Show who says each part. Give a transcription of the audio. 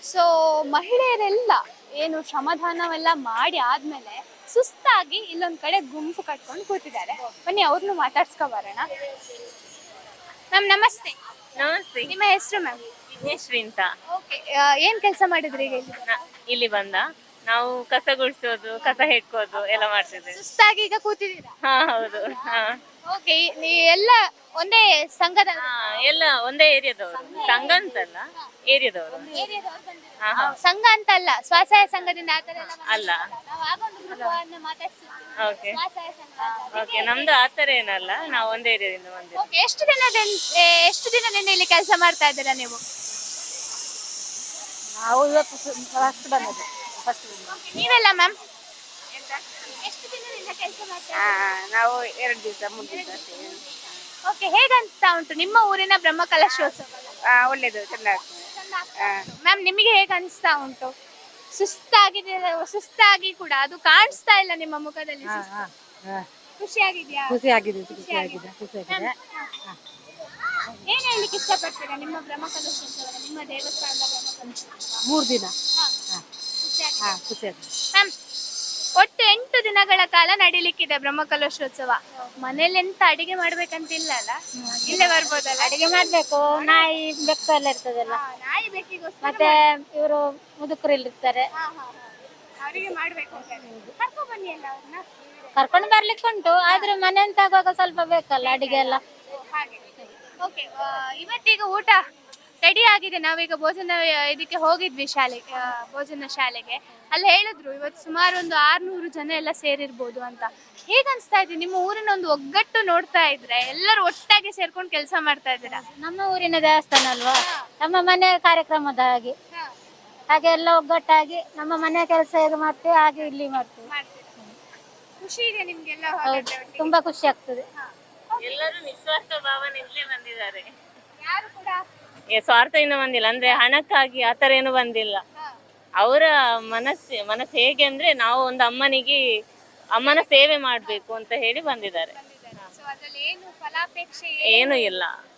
Speaker 1: So ಮಹಿಳೆಯರೆಲ್ಲ ಏನು ಶ್ರಮದಾನವೆಲ್ಲ ಮಾಡಿ ಆದ್ಮೇಲೆ ಸುಸ್ತಾಗಿ ಇಲ್ಲೊಂದ್ ಕಡೆ ಗುಂಪು ಕಟ್ಕೊಂಡು ಕೂತಿದ್ದಾರೆ. ಬನ್ನಿ ಅವ್ರನ್ನು ಮಾತಾಡ್ಸ್ಕೊ ಬರೋಣ. ಮ್ಯಾಮ್ ನಮಸ್ತೆ.
Speaker 2: ನಮಸ್ತೆ.
Speaker 1: ನಿಮ್ಮ ಹೆಸರು ಮ್ಯಾಮ್?
Speaker 2: ವಿಘ್ನೇಶ್ವರಿ ಅಂತ.
Speaker 1: ಓಕೆ, ಏನ್ ಕೆಲಸ ಮಾಡಿದ್ರಿ ಈಗ ಇಲ್ಲಿ?
Speaker 2: ಇಲ್ಲಿ ಬಂದ ನಾವು ಕಸ ಗುಡಿಸೋದು, ಕಸ ಹೆಕ್ಕೋದು ಎಲ್ಲ ಮಾಡ್ತಿದ್ದೇವೆ.
Speaker 1: ಸುಸ್ತಾಗಿ ಈಗ ಕೂತಿದ್ದೀರಾ?
Speaker 2: ಹಾ ಹೌದು. ಹಾ
Speaker 1: ಓಕೆ, ನೀ ಎಲ್ಲ ಒಂದೇ ಸಂಘದ
Speaker 2: ಎಲ್ಲ ಒಂದೇ ಏರಿಯಾದವರು, ಸಂಘ ಅಂತಲ್ಲ ಏರಿಯಾದವರು. ಹಾ ಹಾ
Speaker 1: ಸಂಘ ಅಂತ ಅಲ್ಲ, ಸ್ವಸಹಾಯ ಸಂಘದಿಂದ ಆ ಥರ ಎಲ್ಲ
Speaker 2: ಅಲ್ಲ.
Speaker 1: ನಾವು ಆಗೊಂದು ಗ್ರೂಪ್ ಮಾತಾಡ್ಸಿದ್ವಿ.
Speaker 2: ಓಕೆ
Speaker 1: ಸ್ವಸಹಾಯ ಸಂಘ ಅಂತ.
Speaker 2: ಓಕೆ, ನಮ್ದು ಆತರ ಏನಲ್ಲ, ನಾವು ಒಂದೇ ಏರಿಯಾದಿಂದ ಬಂದಿದ್ದೀವಿ.
Speaker 1: ಓಕೆ, ಎಷ್ಟು ದಿನದಿಂದ ಇಲ್ಲಿ ಕೆಲಸ ಮಾಡ್ತಾ ಇದ್ದೀರಾ ನೀವು?
Speaker 3: ನಾವು ಇವತ್ತು ಫಸ್ಟ್ ಬಂದದ್ದು.
Speaker 1: Okay, ನೀವೆಲ್ಲ ಮ್ಯಾಮ್ ಎಷ್ಟು ದಿನದಿಂದ ಕೆಲಸ ಮಾಡ್ತಾ
Speaker 3: ನಾವು 2 ದಿವಸ 3 ದಿವಸ.
Speaker 1: ಓಕೆ, ಹೇಗನ್ಸ್ತಾ ಉಂಟು ನಿಮ್ಮ ಊರಿನ ಬ್ರಹ್ಮಕಲಶೋತ್ಸವ?
Speaker 3: ಒಳ್ಳೇದು, ಚೆನ್ನಾಗಿ.
Speaker 1: ಮ್ಯಾಮ್ ನಿಮಗೆ ಹೇಗೆ ಅನಿಸ್ತಾ ಉಂಟು? ಸುಸ್ತಾಗಿ ಕೂಡ ಅದು ಕಾಣಿಸ್ತಾ ಇಲ್ಲ ನಿಮ್ಮ ಮುಖದಲ್ಲಿ. ಖುಷಿಯಾಗಿದ್ಯಾ?
Speaker 3: ಖುಷಿಯಾಗಿದೆ.
Speaker 1: ಏನ್ ಹೇಳ್ಲಿಕ್ಕೆ ಇಷ್ಟಪಡ್ತೀರಾ ನಿಮ್ಮ ಬ್ರಹ್ಮಕಲಶೋತ್ಸವ, ನಿಮ್ಮ ದೇವಸ್ಥಾನದ ಬ್ರಹ್ಮಕಲಶೋತ್ಸವ?
Speaker 3: 3 ದಿನ.
Speaker 1: ಖುಷಿಯಾಗಿದೆ.
Speaker 3: ಖುಷಿಯಾಗಿದೆ.
Speaker 1: ಮ್ಯಾಮ್, ಒಟ್ಟು 8 ದಿನಗಳ ಕಾಲ ನಡೀಲಿಕ್ಕಿದೆ ಬ್ರಹ್ಮಕಲಶೋತ್ಸವ. ಮನೇಲಿ ಎಂತ ಅಡಿಗೆ ಮಾಡ್ಬೇಕಂತಿಲ್ಲ ಅಲ್ಲ, ಇಲ್ಲೇ ಬರ್ಬೋದಲ್ಲ?
Speaker 3: ಅಡಿಗೆ ಮಾಡ್ಬೇಕು, ನಾಯಿ ಬೆಕ್ಕು ಎಲ್ಲ ಇರ್ತದಲ್ಲ,
Speaker 1: ನಾಯಿ ಬೇಕಿಗೋಸ್ಕರ
Speaker 3: ಮತ್ತೆ ಇವರು ಮುದುಕರು ಇರ್ತಾರೆ,
Speaker 1: ಅವರಿಗೆ ಮಾಡ್ಬೇಕು ಅಂತ ಕರ್ಕೊಂಡ್ ಬನ್ನಿ ಅಲ್ಲ ಅವ್ರನ್ನ.
Speaker 3: ಕರ್ಕೊಂಡು ಬರ್ಲಿಕ್ಕೆ ಉಂಟು, ಆದ್ರೆ ಮನೆ ಅಂತ ಆಗುವಾಗ ಸ್ವಲ್ಪ ಬೇಕಲ್ಲ ಅಡಿಗೆ ಎಲ್ಲ.
Speaker 1: ಹಾಗೆ. ಓಕೆ, ಇವತ್ತೀಗ ಊಟ ರೆಡಿ ಆಗಿದೆ. ನಾವೀಗ ಭೋಜನ ಇದಕ್ಕೆ ಹೋಗಿದ್ವಿ ಶಾಲೆಗೆ, ಭೋಜನ ಶಾಲೆಗೆ. ಅಲ್ಲಿ ಹೇಳಿದ್ರು ಇವತ್ತು ಸುಮಾರು ಒಂದು 600 ಜನ ಎಲ್ಲ ಸೇರಿರ್ಬೋದು ಅಂತ. ಹೇಗನ್ಸ್ತಾ ಇದೆ ನಿಮ್ಮ ಊರಿನ ಒಂದು ಒಗ್ಗಟ್ಟು ನೋಡ್ತಾ ಇದ್ರೆ? ಎಲ್ಲರೂ ಒಟ್ಟಾಗಿ ಸೇರ್ಕೊಂಡು ಕೆಲಸ ಮಾಡ್ತಾ ಇದ್ದೀರಾ?
Speaker 3: ನಮ್ಮ ಊರಿನ ದೇವಸ್ಥಾನ ಅಲ್ವಾ, ನಮ್ಮ ಮನೆ ಕಾರ್ಯಕ್ರಮದ ಹಾಗೆ ಎಲ್ಲ ಒಗ್ಗಟ್ಟಾಗಿ ನಮ್ಮ ಮನೆ ಕೆಲಸ ಹೇಗೆ ಮಾಡ್ತೀವಿ ಹಾಗೆ ಇಲ್ಲಿ ಮಾಡ್ತೀವಿ.
Speaker 1: ಖುಷಿ ಇದೆ ನಿಮ್ಗೆಲ್ಲ?
Speaker 3: ಹೌದು, ತುಂಬಾ ಖುಷಿ ಆಗ್ತದೆ.
Speaker 2: ಎಲ್ಲರೂ ನಿಸ್ವಾರ್ಥ ಭಾವನೆಯಿಂದಲೇ ಬಂದಿದ್ದಾರೆ,
Speaker 1: ಯಾರು ಕೂಡ
Speaker 2: ಸ್ವಾರ್ಥದಿಂದ ಬಂದಿಲ್ಲ. ಅಂದ್ರೆ ಹಣಕ್ಕಾಗಿ ಆತರ ಏನು ಬಂದಿಲ್ಲ. ಅವರ ಮನಸ್ಸು ಹೇಗೆ ಅಂದ್ರೆ ನಾವು ಒಂದು ಅಮ್ಮನ ಸೇವೆ ಮಾಡ್ಬೇಕು ಅಂತ ಹೇಳಿ ಬಂದಿದ್ದಾರೆ.
Speaker 1: ಅದ್ರಲ್ಲಿ ಏನು ಫಲಾಪೇಕ್ಷೆ
Speaker 2: ಏನು ಇಲ್ಲ.